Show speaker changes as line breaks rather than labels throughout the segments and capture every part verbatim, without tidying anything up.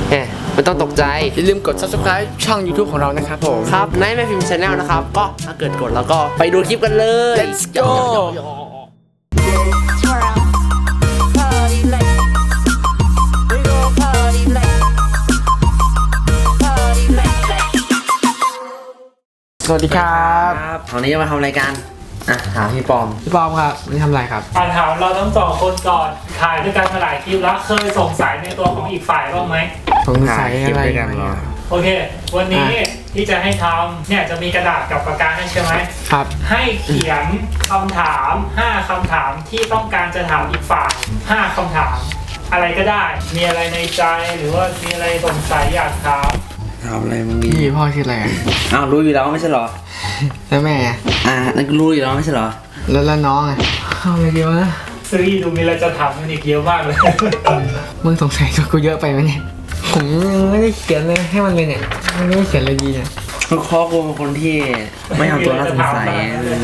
แหมไม่ต้องตกใจ
อย่าลืมกด ซับสไครบ์ ช่อง ยูทูบ ของเรานะครับผม
ครับในแม่พิมพ์ชาแนลนะครับก็ถ้าเกิดกดแล้วก็ไปดูคลิปกันเลย
Let's goสวัสดีครับ
วันนี้จะมาทำรายการอ่ะถามพี่ปอม
พี่ปอมครับวันนี้ทำอะไรครับ
อ่านถามเราทั้งสองคนก่อนถ่ายด้วยกันมาหลายคลิปแล้วเคยสงสัยในตัวของอีกฝ่ายบ้างไหม
สงสัยอะไรกัน
โอเควันนี้ที่จะให้ทำเนี่ยจะมีกระดาษกับปากกาให้ใช่ไหม
ครับ
ให้เขียนคำถามห้าคำถามที่ต้องการจะถามอีกฝ่ายห้าคำถามอะไรก็ได้มีอะไรในใจหรือว่ามีอะไรสงสัยอยากถาม
ถามอะไรมึงดี
พี่พ่อชื่ออะไร
อ้าวรู้อยู่แล้วไม่ใช่หรอ
แล้วแม่
อ่านั่นก็รู้อยู่แล้วไม่ใช่หรอ
แล้วแล้วน้องอ่ะเอาอะไรดีวะ
ซื้อดูมีอะไรจะถามมันอีกเยอะมากเลย
มึงสงสัยกับกูเยอะไปไหมเนี่ยผมไม่ได้เขียนเลยให้มันเลยเนี่ยไม่ได้เขียนเลยดีเนี่ย
ข้อกูเป็นคนที่ไม่ทำตัวน่าสงสัย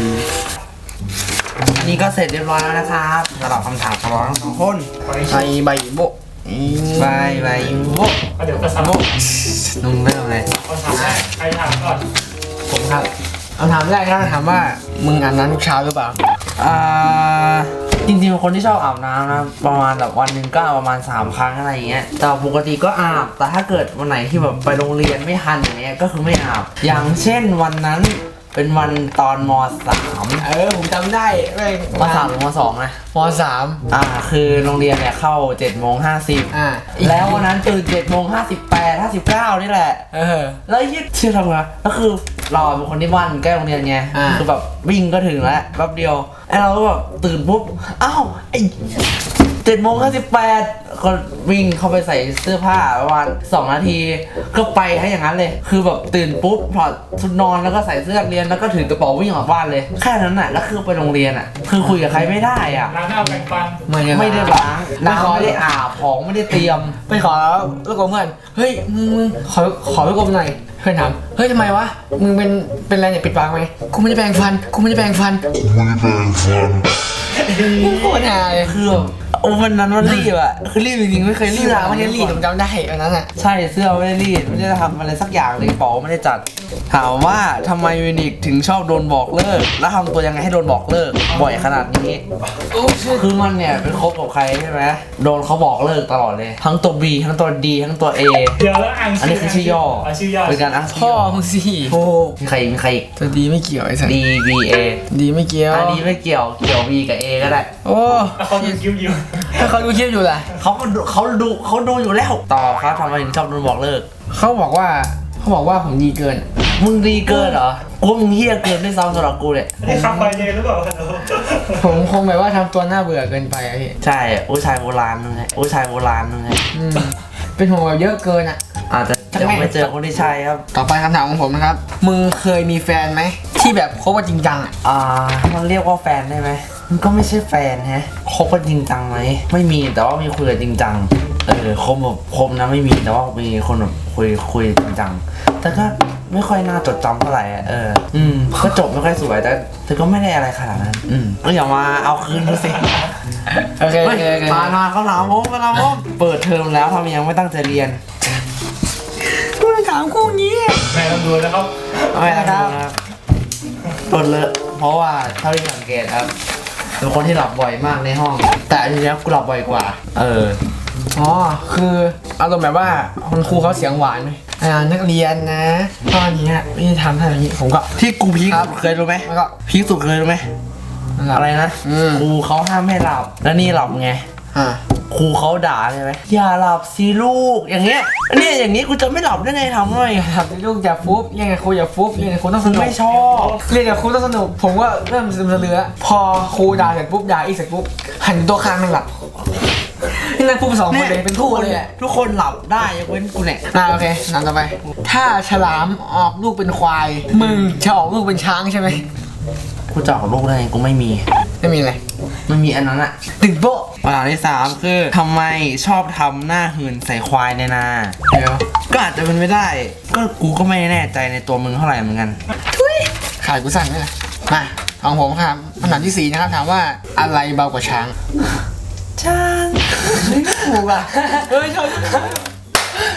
นี่ก็เสร็จเรียบร้อยแล้วนะครับสำหรับคำถามของเราทั้งสองคน
ใบใบโบ
ใบใบโบ
เดี๋ยวก็สามโบ
นุ่มเริ่มเลย
เอาถามแรกใครถามก่อน
ผมครับเอาถามแรกนะถามว่ามึงอาบน้ำทุกเช้าหรือเปล่า
อ่าจริงๆเป็นคนที่ชอบอาบน้ำนะประมาณแบบวันหนึ่งก็ประมาณสามครั้งอะไรอย่างเงี้ยแต่ปกติก็อาบแต่ถ้าเกิดวันไหนที่แบบไปโรงเรียนไม่ทันอย่างเงี้ยก็คือไม่อาบอย่างเช่นวันนั้นเป็นวันตอนม.สาม
เออผมจำได้ไม่
ม.สามหรือม.สองนะ
ม.สาม
อ่าคือโรงเรียนเนี่ยเข้าเจ็ดโมงห้าสิบ
อ่า
แล้ววันนั้นตื่นเจ็ดโมงห้าสิบแปดห้าสิบเก้านี่แหละ
เออ
แล้วยึดชื่อทำไงก็คือเราเป็นคนที่บ้านใกล้โรงเรียนไงคือแบบวิ่งก็ถึงแล้วแป๊บเดียวไอ้เราก็แบบตื่นปุ๊บอ้าวไอ้เจ็ดโมงห้าสิบแปดก็วิ่งเข้าไปใส่เสื้อผ้าประมาณสองนาทีก็ไปให้อย่างนั้นเลยคือแบบตื่นปุ๊บถอดชุดนอนแล้วก็ใส่เสื้อเรียนแล้วก็ถือกระเป๋าวิ่งออกบ้านเลยแค่นั้นน่ะแล้วคือไปโรงเรียนอ่ะคือคุยกับใครไม่ได้อ่ะ
ล้างหน้าแปรงฟัน
ไม่ได้ล้างน้ำไม่ได้อาบของไม่ได้เตรียม
ไปขอแล้วแล้วก็เพื่อนเฮ้ยมึงมึงขอขอไปกบหน่อยเพื่อนถามเฮ้ยทำไมวะมึงเป็นเป็นอะไรเนี่ยปิดปากไหมกูไม่ได้แปรงฟันกูไม่ได้แปรงฟัน
กูไม่ได้แปรงฟัน
โคตรหาย
คือโอ้วันนั้นมันรีบอ่ะคือรีบจริงๆไม่เคยรีบ
ไม่ได้รีบผมจำได้อันนั้นอ่ะ
ใช่เสื้อไม่ได้รีดไม่ได้ทำอะไรสักอย่างเลยกระเป๋าไม่ได้จัดถามว่าทำไมวินิกถึงชอบโดนบอกเลิกแล้วทำตัวยังไงให้โดนบอกเลิกบ่อยขนาดนี้คือมันเนี่ยเป็นคบกับใครใช่ไหมโดนเขาบอกเลิกตลอดเลยทั้งตัว B ทั้งตัว D ทั้งตัว A
เดี๋ยวแล้วอ่าน
อันนี้คือชื่อย่อ
ชื่อย่อ
เป็นการอ้าง
พ่อมึงสิ
โอ้มีใครมีใคร
ตัว D ไม่เกี่ยวไอ้สัส
D B A
D ไม่เกี่ยว
อ่ะ D ไม่เกี่ยวเกี่ยว B กับ A ก็ได้
โอ้
เขาดูคลิปอยู่
ถ้าเขาดูคลิปอยู่แหละ
เขาก็ดูเขาดูเขาดูอยู่แล้วต่อครับทำไมถึงชอบโดนบอกเลิก
เขาบอกว่าเขาบอกว่าผมดีเกิน
มึงดีเกินเหรอกูมึงเฮี้ยเกินด้วยซ้ำสำหรับกูเนี่ย
ไอ้คำไปเยหรือเปล่า
ผมคงแบบว่าทำตัวน่าเบื่อเกินไปอะพี่
ใช่ผู้ชายโบราณนึงไงผู้ชายโบราณนึงไง
เป็นห่วงแบบเยอะเกินอ่ะ
อาจจะยังไม่เจอคนที่ใช่ครับ
ต่อไปคำถามของผมนะครับมึงเคยมีแฟนไหมที่แบบคบกันจริงจังอ่ะ
อ่ามันเรียกว่าแฟนได้ไหมมันก็ไม่ใช่แฟนฮะคบกันจริงจังไหมไม่มีแต่ว่ามีคุยกันจริงจังเออคบแบบคบนะไม่มีแต่ว่ามีคนแบบคุยคุยจริงจังแต่ก็ไม่ค่อยน่าจดจำเท่าไหร่เอออืมก็จบไม่ค่อยสวยแต่แต่ก็ไม่ได้อะไรขนาดนั้นอืมก็อย่ามาเอาคืนดูสิ
โอเคโอเคโอเค
มามาเขาถามผมเขาถามผมเปิดเทอมแล้วทำไมยังไม่ตั้งใจเรียน
กูถามคู่นี้
แม่ต้องดูแล้วครับ
ไม่นะครับเปิดเลยเพราะว่าเท่าที่สังเกตครับเป็นคนที่หลับบ่อยมากในห้องแต่อันนี้กูหลับบ่อยกว่าเออ
อ๋อคืออารมณ์แบบว่าคุณครูเขาเสียงหวานไหมอ่านักเรียนนะตอนนี้ไม่ทำท่าอย่างนี้ผมก็
ที่กูพีคเคยรู้ไหม
แล้วก็
พีคสุดเคยรู้ไหมอะไรนะครูเขาห้ามให้หลับแล้วนี่หลับไง
อ่า
ครูเขาด่าใช่ไหมอย่าหลับสิลูกอย่างเงี้ยเนี่ยอย่างนี้กูจะไม่หลับได้ไงทำไง
หลับสิลูกอย่าฟุบเรียนกับครูอย่าฟุบเรียนกับครูต้องสนุก
ไม่ชอบ
เรียนกับครูต้องสนุกผมก็เริ่มซึมเรือพอครูด่าเสร็จปุ๊บด่าอีกเสร็จปุ๊บหันตัวข้างนั่งหลับนี่นั่งปุ๊บสองคนเลยเป็นคู่เลย
ทุกคนหลับได้ยกเว้นกูเนี่ย
อ่าโอเคนั่งต่อไปถ้าฉลามออกลูกเป็นควายมึงจะออกลูกเป็นช้างใช่ไหม
กูจะออกลูกได้ไงกูไม่มี
ไม่มีอะไร
ไม่มีอันนั้นอะ
ตึงโป๊ะ
คำถามที่สามคือทำไมชอบทำหน้าหื่นใส่ควายในนา
เดี๋ยว
ก็อาจจะเป็นไม่ได้ก็กูก็ไม่แน่ใจในตัวมึงเท่าไหร่เหมือนกัน
ทุยขายกูสั่นเลยมาของผมครับคำถามที่สี่นะครับถามว่าอะไรเบากว่าช้าง
ช้าง
ถูกอ่ะเฮ้ยชอบ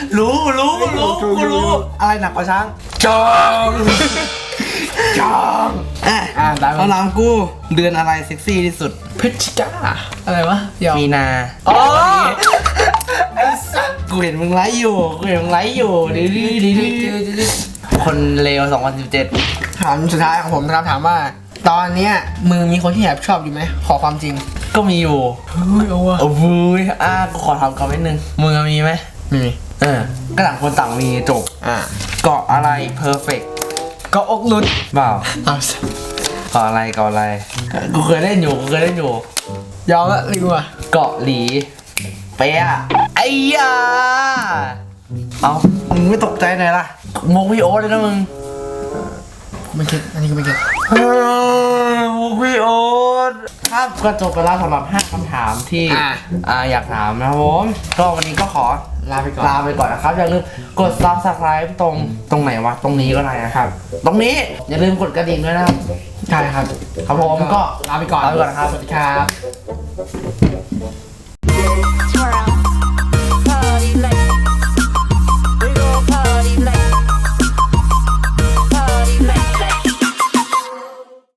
รู้รู้รู้กูรู้ อะไรหนักกว่าช้างจองจองอ่ะ
อ่าได้
คำถามกูเดือนอะไรเซ็กซี่ที่สุด
พฤศจิกาอะไรวะยอม
มีนา
อ๋อ
ไอ้สัสกูเห็นมึงไลฟ์อยู่กูเห็นมึงไลฟ์อยู่ดื้อดื้อดื้อดื้อคนเลวสองพันสิบเจ็ด
ถามสุดท้ายของผมนะครับถามว่า ตอนเนี้ยมึงมีคนที่แอบชอบอยู่ไหมขอความจริง
ก็มีอยู่
เฮ้ยเอาวะ
โอ้โหยอ่ะกูขอทำคอมเมนต์หนึ่งมึงมีไหม
มี
เออก็ต่างคนต่างมีจบ
อ่า
เกาะอะไรเพอร์เฟกต์
ก็อกหลุด
เปล่า
เอา
เกาะอะไรเกาะอะไรกูเคยเล่นอยู่กูเคยเล่นอยู่
ยอมละลิงว่ะ
เกาะหลีเป๊ะไอ้ยาเอามึงไม่ตกใจหน่อยล่ะมุกพี่โอ๊ตเลยนะมึง
ไม่คิดอันนี้ก็ไม่คิด
เออมุกพี่โอ๊ตครับก็จบไปแล้วสำหรับห้าคำถามที่อ่าอยากถามนะครับผมก็วันนี้ก็ขอ
ลาไปก่อน
ลาไปก่อนนะครับอย่าลืมกด ซับสไครบ์ ตรงตรงไหนวะตรงนี้ก็ได้นะครับ ตรงนี้อย่าลืมกดกระดิ่งด้วยนะครับ
ใช่ครับ
ครับผมก็
ลาไปก่อน
ลาไปก่อนนะครับ
สวัสดีครับ